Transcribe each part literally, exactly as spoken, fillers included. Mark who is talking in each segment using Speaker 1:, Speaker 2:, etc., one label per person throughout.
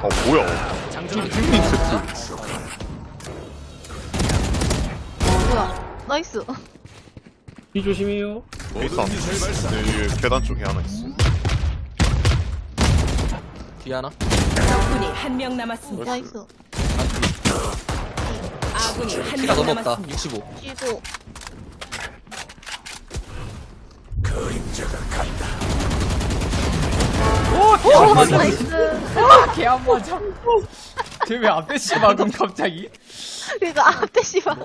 Speaker 1: 어 뭐야?
Speaker 2: 장전
Speaker 1: 핑핑 세트.
Speaker 3: 뭐야? 나이스.
Speaker 4: 이 조심해요.
Speaker 1: 베이스 안 네, 여기 계단 쪽에 하나 있어.
Speaker 2: 뒤 하나.
Speaker 5: 적군이 한 명 남았습니다.
Speaker 3: 나이스.
Speaker 5: 아군이 한
Speaker 2: 키가
Speaker 5: 명
Speaker 2: 너무 없다.
Speaker 5: 남았습니다.
Speaker 2: 육십오.
Speaker 3: 쉬고. 오, 나이스.
Speaker 6: 개 안 맞아. 쟤왜 앞에 씨 막음 갑자기?
Speaker 3: 그니까 앞에 씨발.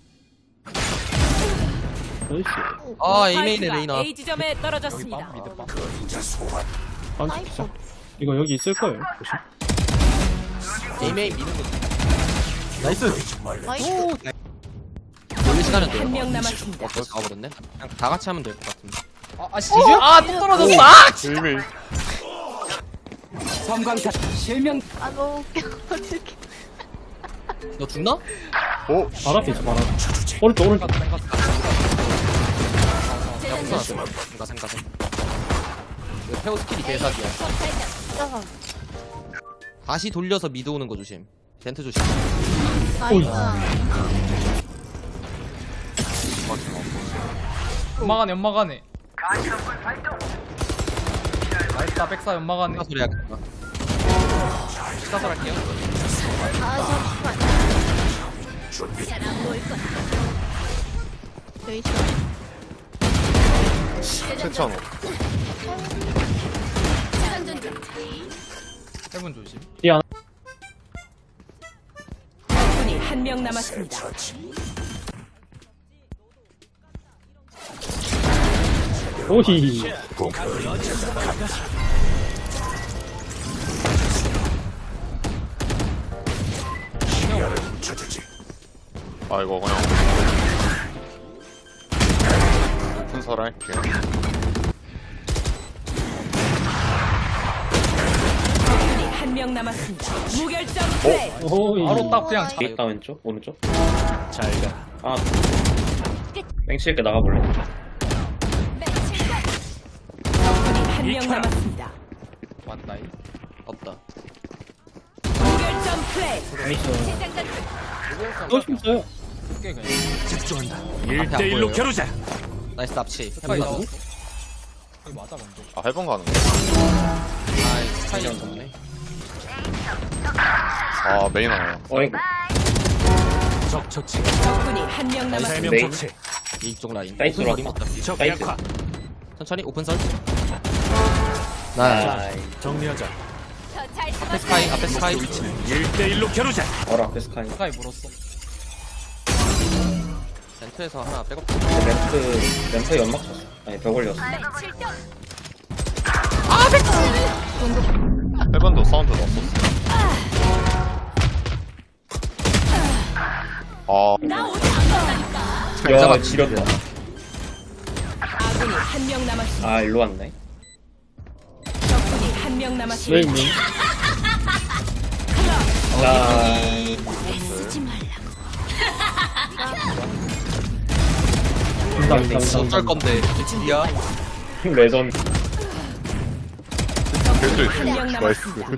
Speaker 4: 나이스.
Speaker 2: 아 에이메인의
Speaker 5: 스파이크가
Speaker 2: 레이나.
Speaker 5: A 지점에
Speaker 6: 여기
Speaker 5: 떨어졌습니다.
Speaker 6: 빵 미드 빵.
Speaker 4: 안
Speaker 3: 나이스.
Speaker 4: 찍자. 이거 여기 있을 거예요. 조심.
Speaker 2: 에이메인 미는 거. 나이스.
Speaker 3: 나이스.
Speaker 2: 원래 시간은 돼요.
Speaker 5: 한 명 남았습니다.
Speaker 2: 어, 벌써 가버렸네. 그냥 다 같이 하면 될 것 같은데.
Speaker 6: 아, 아 지지? 아또 떨어졌어. 아!
Speaker 1: 에이메이.
Speaker 6: 섬광탄 실명.
Speaker 3: 아, 너무 웃겨. 어떡해.
Speaker 2: 너 죽나?
Speaker 1: 오.
Speaker 4: 발 앞에 있어, 발 앞에. 오른쪽, 오른쪽.
Speaker 2: 야 부산았어. 가생 가생. 이거 페어 스킬이 대사기야.
Speaker 3: 잠깐.
Speaker 2: 다시 돌려서 미드 오는 거 조심. 젠트 조심.
Speaker 3: 나이스.
Speaker 6: 연막안에 연막안에. 나이스다 백사 연막안에.
Speaker 2: 아 소리 하겠다. 식사설 할게요.
Speaker 3: 아, 잠시만. 여기 있어.
Speaker 1: 괜찮아.
Speaker 6: 해본 조심.
Speaker 4: 뒤 하나.
Speaker 5: 적군이 한 명 남았습니다.
Speaker 4: 오히.
Speaker 1: 아 이거 그냥 분사를 할게요.
Speaker 5: 적군이 한 명 남았습니다. 무결점 플레이.
Speaker 4: 오히.
Speaker 6: 바로 딱 그냥
Speaker 2: 아,
Speaker 4: 있다, 왼쪽, 오른쪽. 잘 가. 아. 맹칠게 나가볼래?
Speaker 5: 적군이 한 명 남았습니다.
Speaker 6: 왔다이.
Speaker 2: 없다.
Speaker 5: 무결점 플레이.
Speaker 4: 나이스. 또 있어요.
Speaker 6: 꽤 그냥.
Speaker 2: 일 대 일로 겨루자. 나이스 납치.
Speaker 6: 스파이
Speaker 4: 해보자고?
Speaker 6: 나왔어. 거기 맞아 먼저.
Speaker 1: 아 해본 가는 거.
Speaker 2: 아이 스타일이 없네.
Speaker 1: 아 메인 하나.
Speaker 4: 어이구.
Speaker 5: 적군이 한 명 남았습니다.
Speaker 4: 메인.
Speaker 2: 이쪽 라인.
Speaker 4: 사이트
Speaker 2: 오픈
Speaker 4: 들어왔다.
Speaker 2: 설이 맞다.
Speaker 4: 나이스.
Speaker 2: 천천히 오픈 설. 나이스.
Speaker 4: 나이스.
Speaker 2: 앞에 스카이 앞에 스카이.
Speaker 4: 어라, 앞에 스카이.
Speaker 6: 스카이 물었어.
Speaker 2: 젠트에서 하나 백업.
Speaker 4: 램프, 램프에 연막 쳤어. 아니, 벽 올렸어.
Speaker 1: 해본도 사운드 넣었었어. 아
Speaker 4: 야,
Speaker 2: 잡았-
Speaker 4: 지렸다.
Speaker 5: 아군이 한 명 남았습니다.
Speaker 4: 아, 일로 왔네.
Speaker 5: 적군이 한 명 남았습니다.
Speaker 4: 메인. 나, 감사합니다,
Speaker 2: 어쩔
Speaker 4: 감사합니다.
Speaker 2: 건데. 미친이야.
Speaker 4: 레전드.
Speaker 1: 겐지
Speaker 5: 한 명
Speaker 1: 나이스.
Speaker 5: 남았습니다.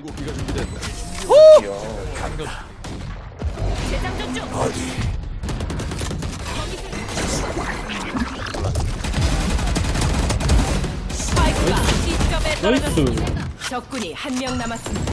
Speaker 5: 스파이크가 C점에 떨어졌습니다.
Speaker 4: 나이스.
Speaker 5: 적군이 한 명 남았습니다.